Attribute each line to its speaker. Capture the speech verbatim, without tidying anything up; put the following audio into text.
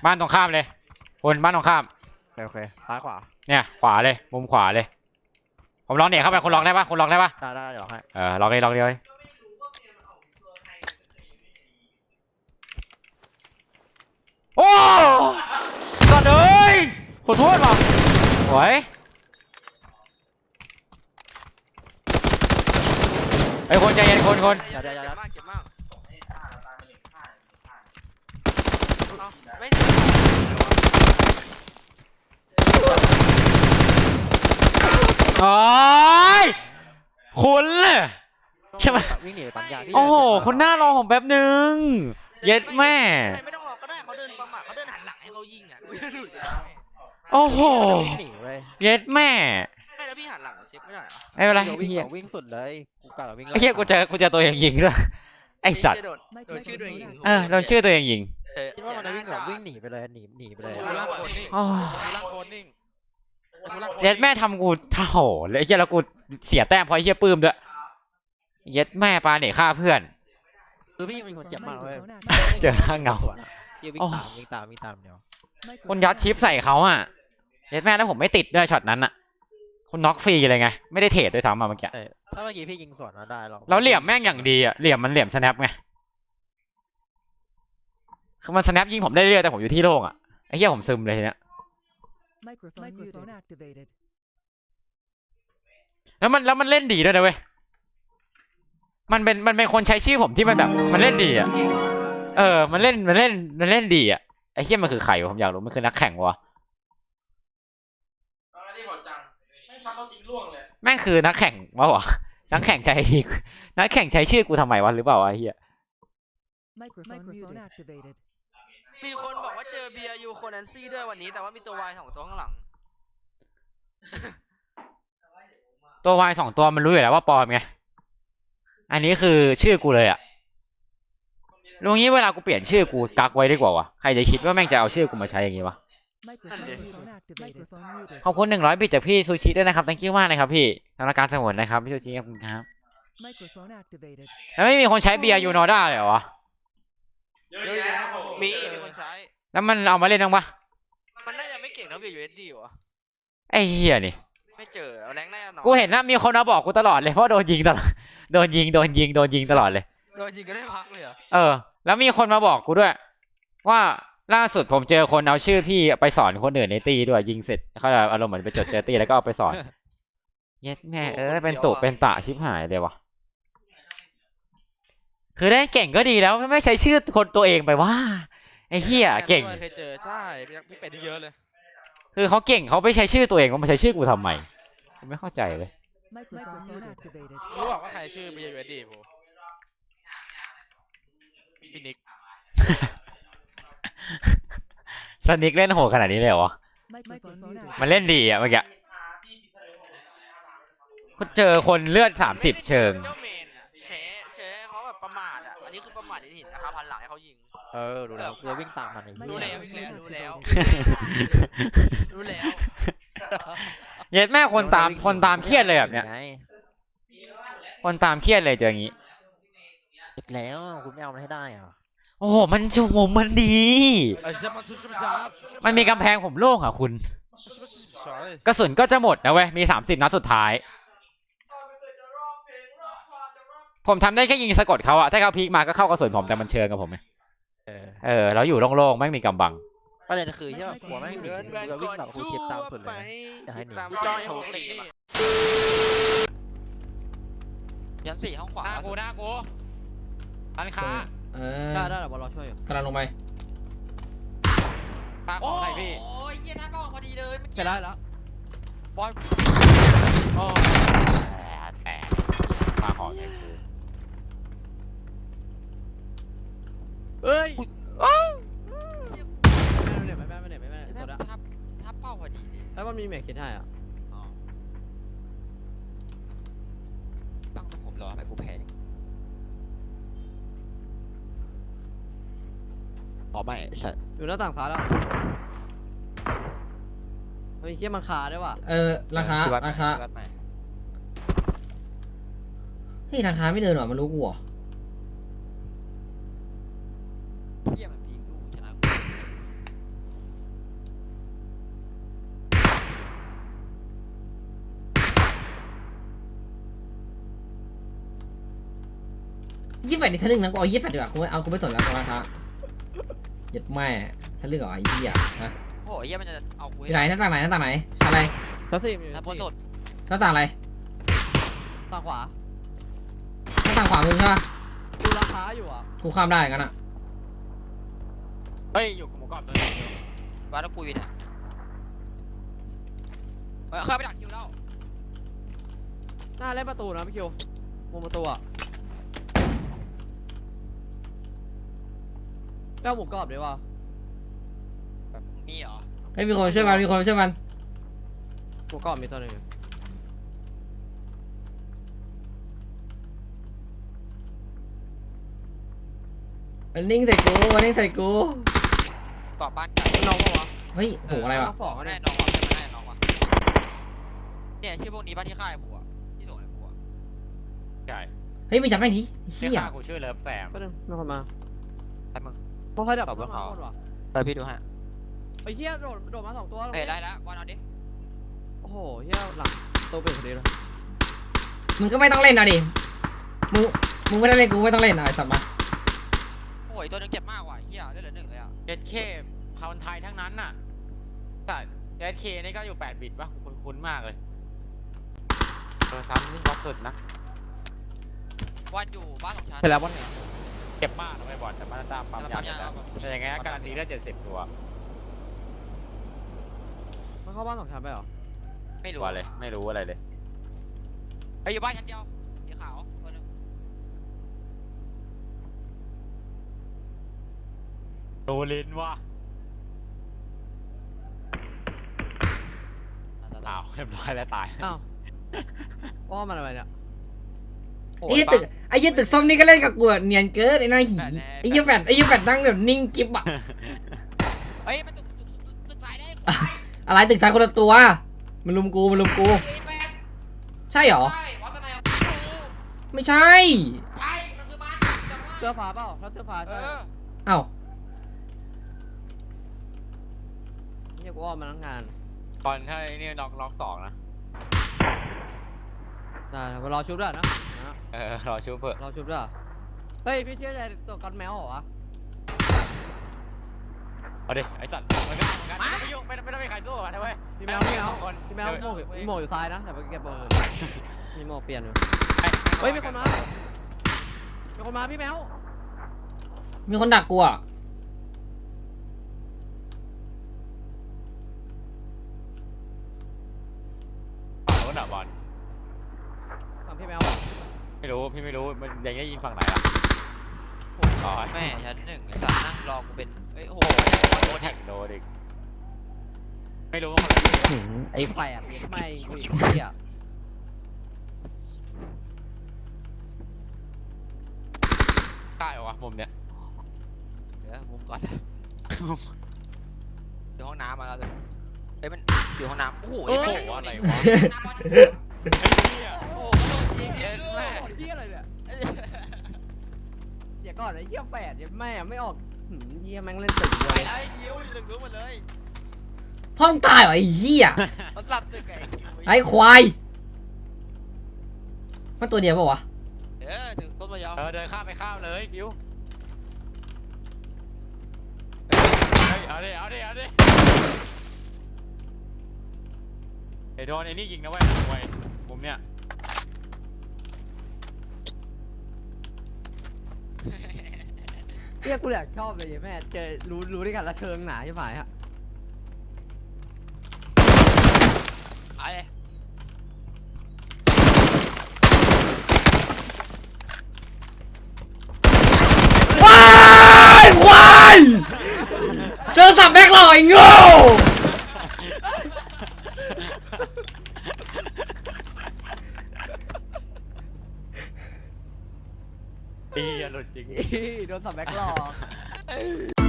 Speaker 1: บ้านตรงข้ามเลยคนบ้านตรงข้าม
Speaker 2: โอเคซ้ายขวา
Speaker 1: เนี่ยขวาเลยมุมขวาเลยผมลองเนี่ยเข้าไปคนลองได้ปะคนลองได้ปะ
Speaker 2: ได้ได้เดี๋ยวให้
Speaker 1: เออลองเลยลองเลยโอ้ก่อนเลยขอโทษว่ะโอ้ยไอ้คนใจเย็นคนคน
Speaker 2: เดี๋ยวเดี๋ยวเดี๋ยว
Speaker 3: เจ็บมากเจ็บมากไม่
Speaker 1: โอ้ยคุณใช่ไหม
Speaker 2: วิ่งหนีปัญญาพี่
Speaker 1: โอ้โหคุณหน้ารอผมแป๊บนึงเย็ดแม่
Speaker 3: ไม่ต้องรอก็ได้เขาเดินประมาทเขาเดินหันหลังให้เขายิงอ่ะกูจะหลุด
Speaker 1: โอ้โห
Speaker 2: วิ่งหนีเว้ย
Speaker 1: เย็ดแม่
Speaker 3: ไม่แล้วพี่หันหลังเช็คไม่ได้หรอ
Speaker 1: ไม่เป็นไร
Speaker 2: เดี๋ยววิ่ง
Speaker 1: เฮีย
Speaker 2: เดี๋ยววิ่งสุดเลยกูกะวิ่ง
Speaker 1: ไอ้เฮียกูเจอกูเจอตัวเองยิงด้วยไอ้สัตว์
Speaker 3: โดนโดนชื่อตัวเองยิง
Speaker 1: เออเราชื่อตัวเองยิง
Speaker 2: คิดว่ามันจะวิ่งแบบวิ่งหนีไปเลยหนีหนีไปเลย
Speaker 3: กูล่างโคนนิ่ง
Speaker 1: โอ้
Speaker 3: กูล่างโคนนิ่ง
Speaker 1: เย็ดแม่ทำกูเท่าเลยไอ้เฮียแล้วกูเสียแต้มเพราะไอ้เฮียปื้มด้วยเย็ดแม่ปาเนี่ยฆ่าเพื่อน
Speaker 2: คือพี่เป็นคนเจ็บมากเลย
Speaker 1: เจอข้างเงา
Speaker 2: พี่วิ่งตามวิ่งตามวิ่งตามเดียว
Speaker 1: คนยัดชิปใส่เขาอ่ะเย็ดแม่แล้วผมไม่ติดด้วยช็อตนั้นอ่ะคุณน็อกฟรีเลยไงไม่ได้เทรดด้วยซ้ำมาเมื่อกี้
Speaker 2: ถ้าเมื่อกี้พี่ยิงสวนมาได้หรอก
Speaker 1: แล้วเหลี่ยมแม่งอย่างดีอ่ะเหลี่ยมมันเหลี่ยมสแนปไงคือมันสแนปยิงผมได้เรื่อยแต่ผมอยู่ที่โล่งอ่ะไอ้เหี้ยผมซึมเลยทีเนี้ยแล้วมันแล้วมันเล่นดีด้วยนะเว้ยมันเป็นมันเป็นคนใช้ชื่อผมที่มันแบบมันเล่นดีอ่ะเออมันเล่นมันเล่นมันเล่นดีอ่ะไอ้เหี้ยมันคือใครวะผมอยากรู้มันคือนักแข่งวะแม่งคือนักแข่งวะวะนักแข่งใช้นักแข่งใช้ชื่อกูทำไมวะหรือเปล่าวะไอ้เหี้ย
Speaker 3: มีคนบอกว่าเจอเบียร์ยูโคนันซี่ด้วยวันนี้แต่ว่ามีตัววายสองตัวข้างหลัง
Speaker 1: ตัววายสองตัวมันรู้อยู่แล้วว่าปลอมไงอันนี้คือชื่อกูเลยอ่ะลุงนี้เวลากูเปลี่ยนชื่อกูกักไว้ดีกว่าวะใครจะคิดว่าแม่งจะเอาชื่อกูมาใช้อย่างงี้วะขอบคุณหนึ่งร้อยบิตจากพี่ซูชิด้วยนะครับ thank you มากนะครับพี่ทางการสมุนนะครับพี่ซูชิขอบคุณครับแล้วไม่มีคนใช้เบียร์ยูโนด้าเลยเหรอวะ
Speaker 3: มีมีคนใช้
Speaker 1: แล้วมันเอามาเล่นบ้างปะ
Speaker 3: มันน่าจะไม่เก่งเท่าเบียร์ยูเอสดีวะ
Speaker 1: ไอ้เหี้ยนี่
Speaker 3: ไม่เจอแรงแน่นอน
Speaker 1: กูเห็นนะมีคนมาบอกกูตลอดเลยเพราะโดนยิงตลอดโดนยิงโดนยิงโดนยิงตลอดเลย
Speaker 3: โดนยิงก็ได้พักเลยเหรอ
Speaker 1: เออแล้วมีคนมาบอกกูด้วยว่าล่าสุดผมเจอคนเอาชื่อพี่ไปสอนคนอื่นในตีด้วยยิงเสร็จเขาจะอารมณ์เหมือนไปจดเจอตีแล้วก็เอาไปสอนเย็ดแม่เออเป็นตุเป็นตะชิบหายเลยวะคือได้เก่งก็ดีแล้วไม่ใช้ชื่อคนตัวเองไปว่าไอ้เหี้ยเก่ง
Speaker 3: เคยเจอใช่พี่เป็ดเยอะเลย
Speaker 1: คือเขาเก่งเขาไม่ใช้ชื่อตัวเองเขามาใช้ชื่อกูทำไมผมไม่เข้าใจเลย
Speaker 3: รู้บอกว่าใครชื่อเบียร์ยูเอสดีผมพี่นิก
Speaker 1: สนิกเล่นโหดขนาดนี้เลยเหรอมันเล่นดีอ่ะเมื่อกี้เจอคนเลือดสามสิบเชิง
Speaker 3: เจ้าเมนอ่ะแพ้เชเขาแบบประมาทอ่ะอันนี้คือประมาทที่เห็นนะครับพันหลังให้เขายิง
Speaker 2: เออรู้แล้วเราวิ่งตามมัน
Speaker 3: รู้แล้วรู้แล้วรู้แล้ว
Speaker 1: เย็ดแม่คนตามคนตามเครียดเลยแบบเนี้ยคนตามเครียดเลยเจออย่างนี้
Speaker 2: แล้วคุณไม่เอามันให้ได้อ่ะ
Speaker 1: โอ้โหมันชูมมันดีมันมีกำแพงผมโล่งอ่ะคุณกระสุนก็จะหมดนะเว้ยมีสามสิบนัดสุดท้ายผมทำได้แค่ยิงสะกดเขาอะถ้าเขาพีกมาก็เข้ากระสุนผมแต่มันเชิงกับผมไงเออแล้วอยู่โล่งๆไม่มีกำบัง
Speaker 2: ประเด็นคือที่ว่าหัวแม่งหนีเราวิ่งแบบคูชิปตามสุดเลยจะให้หนี
Speaker 3: จอยโถตียันสี่ห้องขวา
Speaker 1: หน้ากูหน้ากูทันค้า
Speaker 2: ได้ได้เดี๋ยวบอลรอช่วยอยู่
Speaker 4: กำลังลงไป
Speaker 1: ปาของใครพี่
Speaker 3: โอ้ยเยี่ยท่าป้องพอดีเลย
Speaker 2: เสร็จแล้วแล้ว
Speaker 3: บอล
Speaker 1: โอ้แต่ปาของใครกู
Speaker 2: เอ้ย
Speaker 3: ไม่ไม่ไม่ไม่ไม่ไม่ไม่ทับทับเป้าพอดีเลย
Speaker 2: แล้วมันมีแม็กคิดให้อ่ะ
Speaker 3: ตั้งตะขบรอทำไมกูแพ้อ๋อไม่สัตว์
Speaker 2: อยู่หน้าต่างขาแล้วเฮ้ยเขี้ยมันขาได้ว่ะ
Speaker 4: เออราคาราคาเฮ้ยราคาไม่เดินหรอมันรู้กูเหรอ
Speaker 3: เขี้ยมันพีสู้ชนะ
Speaker 4: ยี่แฟดนี่ทะลึ่งนะกูเอายี่แฟดดีกว่ากูเอากูไม่สนแล้วราคาหยัดแม่ทะลึ่งเหรอไอ้เหี้ยฮะ
Speaker 5: โอ้ยเหี้ยมันจะเอากู
Speaker 4: ที่ไหนหน้าต่างไหนหน้าต่างไหนชั้นอะไร
Speaker 2: แล้วสี่มี
Speaker 5: ถ้าพ้นสุด
Speaker 4: หน้าต่างอะไร
Speaker 2: ต่างขวา
Speaker 4: หน้าต่างขวามึงใช่ปะ
Speaker 2: ดูราคาอยู่อ่ะ
Speaker 4: กูข้ามได้กันอะ
Speaker 1: เฮ้ยอยู่กับหมูกรอบตัวนึงอยู่
Speaker 5: ว่าแล้วกูวินอ่ะเฮ้ยเข้าไปดักคิวแล้ว
Speaker 2: หน้าเล่นประตูนะพี่คิวมุมประตูอ่ะแป้วหมูกรอบดีว่ะ
Speaker 5: แบบมีเหรอ
Speaker 4: เฮ้ยมีคนมาช่วยมันมีคนมาช่วยมัน
Speaker 2: หมูกรอบมีตัวหนึ่ง
Speaker 4: มันนิ่งใส่กูมันนิ่งใส่กู
Speaker 5: กรอบบ้านไก่
Speaker 2: น้องปะวะ
Speaker 4: เฮ้ยโหอะไรวะ
Speaker 2: สอง
Speaker 5: แน่
Speaker 2: เนี่ย
Speaker 5: น้องว่ะแน่น้องว่ะเนี่ยชื่อพวกนี้บ้านที่ค่ายกูอ่ะที่ส่งให้กูอ่ะ
Speaker 1: ใช่
Speaker 4: เฮ้ยมึงจับแม่งดิ
Speaker 1: เรีย
Speaker 4: เหี้
Speaker 1: ก
Speaker 4: ย
Speaker 1: ข้ากูชื่อเลิฟแซม
Speaker 2: ก็นึงมีคนมา
Speaker 5: ไอ้มึง
Speaker 2: พวกเขาดับ
Speaker 5: ตอบว่า
Speaker 2: มา
Speaker 5: เขา
Speaker 2: หมดว่ะ
Speaker 5: ไปพี่ดูฮะ
Speaker 2: ไอ้เหี้ยโดดโดดมาสองตัว
Speaker 5: เฮ้ยได้แล้ววันเอาดิ
Speaker 2: โอ้โหเหี้ยหลังตัวเป็นคนนี้เลย
Speaker 4: มึงก็ไม่ต้องเล่นนะดิมึงมึงไม่ได้เล่นกูไม่ต้องเล่นอะไอ้สัตว์มา
Speaker 5: โอ้ยตัวนึงเจ็บมากว่ะเฮียได้เหลือหนึ่งเลยอ่ะ
Speaker 1: เจ็ดเคพาวน์ไทยทั้งนั้นน่ะแต่เจ็ดเคนี่ก็อยู่แปดบิตป่ะคุ้นๆมากเลยเออซ้ำนี่บล็อกสุดนะ
Speaker 5: วันอยู่บ้านของฉัน
Speaker 2: เสร็จแล้ววันไหน
Speaker 1: เจ็บมากนะไม่บอลแต่มาตามปั๊ม
Speaker 5: แต่
Speaker 1: ยา
Speaker 5: ปั๊มยา
Speaker 1: แต่ยังไงอาการดีได้เจ็ดสิบตัว
Speaker 2: มันเข้าบ้านสองชั้นไปเหรอ
Speaker 5: ไม่รู้
Speaker 1: ตัวเลยไม่รู้อะไรเลย
Speaker 5: ไปอยู่บ้านชั้นเดียวสีขาวตัวนึง
Speaker 1: โดลินว่ะอ้าวเรียบร้อยแล้วตาย
Speaker 2: อ้าวว่ามันอะไรเนี่ย
Speaker 5: โอ้
Speaker 4: ไอ้
Speaker 5: ย
Speaker 4: ยี่ตึกไอ้ยี่ตึกส้มนี่ก็เล่นกับกูอะเนียนเกินไอ้หน้าหีไอ้ยี่แฟดไอ้ยี่แฟดนั่งแบบนิ่งกิ๊บอะ
Speaker 5: เฮ้ยมันตึกตึกตึกตึกสายได้
Speaker 4: อะไรตึกซ้ายคนละตัวมันลุมกูมันลุมกู
Speaker 5: ไอ้แฟน
Speaker 4: ใช่เหรอ
Speaker 5: ใช่วัฒนาย
Speaker 4: ไม่ใช่
Speaker 5: ใช่มันคือมันจำได้
Speaker 2: เสื้อฟ้าเปล่าแล้วเสื้อฟ้า
Speaker 5: เอ
Speaker 2: ใช่
Speaker 5: อ
Speaker 4: เอ้า
Speaker 2: เฮียกูว่ามันทั้งงาน
Speaker 1: บอลถ้าไอ้นี่ล็อกล็อกสองนะ
Speaker 2: ได้มารอชุบด้วยนะนะ
Speaker 1: เออรอชูเพื่อ
Speaker 2: รอชุบด้วยเฮ้ยพี่เชื่อใจตัวกันแมวเหรอวะ
Speaker 1: เอาดิไอ้สัตว์มันก็มันก็ไม่ต้องยุ่งไม่ต้องไม่ต้องมีใครสู้กับมันนะเว้ย
Speaker 2: พี่แมวพี่แมว
Speaker 1: คน
Speaker 2: พี่แมวโม่อยู่มีโม่อยู่ซ้ายนะแต่ไปเก็บโม่มีโม่เปลี่ยนอยู่
Speaker 1: ให้
Speaker 2: เฮ้ยมีคนมามีคนมาพี่แมว
Speaker 4: มีคนดักกูอะ
Speaker 1: ฝั่งนู้นอ่ะบอล
Speaker 2: ฝั่งพี่แมว
Speaker 1: ไม่รู้พี่ไม่รู้มันยังได้ยินฝั่งไหนล่ะ
Speaker 5: โอ้ย
Speaker 1: อ๋อ
Speaker 5: แม่ชั้นหนึ่งไอ้สัตว์นั่งรอกูเป็นเอ้ยโอ้โห
Speaker 1: โดนแท็กโดนอีกไม่รู้ว่าคนไหน
Speaker 2: ไอ้แฝดเนี่ยทำไมกูอีกเฮีย
Speaker 1: ใต้เหรอวะมุมเนี้ย
Speaker 5: เดี๋ยวมุมก่อนอยู่ห้องน้ำมาแล้วเฮ้ยมันอยู่ห้องน้ำโอ้โห
Speaker 1: โอ้โห
Speaker 5: ม่
Speaker 1: อะไร
Speaker 5: ด้
Speaker 1: วะ
Speaker 5: น้ำบอล
Speaker 1: ไอ้เหี้ย
Speaker 5: โอ้โหโดนยิง
Speaker 1: เอ็
Speaker 5: เอ็
Speaker 1: น
Speaker 5: น
Speaker 1: แม่
Speaker 2: เฮียอะไรเนี่ยเดี๋ยวก่อนไอ้เฮียแฝดเนี่ยแม่ไม่ออกหืมเฮียแม่งเล่นตึกเล
Speaker 5: ไป
Speaker 2: ย
Speaker 5: แล้วไอ้คิวหนึ่งรู้หมดเลย
Speaker 4: พ่อมึงตายเหรอไอ้เหี้ย
Speaker 5: มันสับตึกไอ้คิว
Speaker 4: ไอ้ควายมันตัวเดียวปะวะ
Speaker 5: เออถึงต้นมะยอม
Speaker 1: เออเดินข้ามไปข้ามเลยคิวเฮ้ยเอาดิเอาดิเอาดิไอ้โดนไอ้นี่ยิงนะเว้ยมวยมุมเนี้ย
Speaker 2: เฮียกูอยากชอบเลยแม่เจอรู้รู้ด้วยกันละเชิงหนาใช่ไหมฮะ
Speaker 5: ไอ้
Speaker 4: ว้ายควายเจอสับแบกหล่อไอ้โง่
Speaker 1: ตีอย่าหลุดจริง
Speaker 2: โดนสับแบ็คหลอก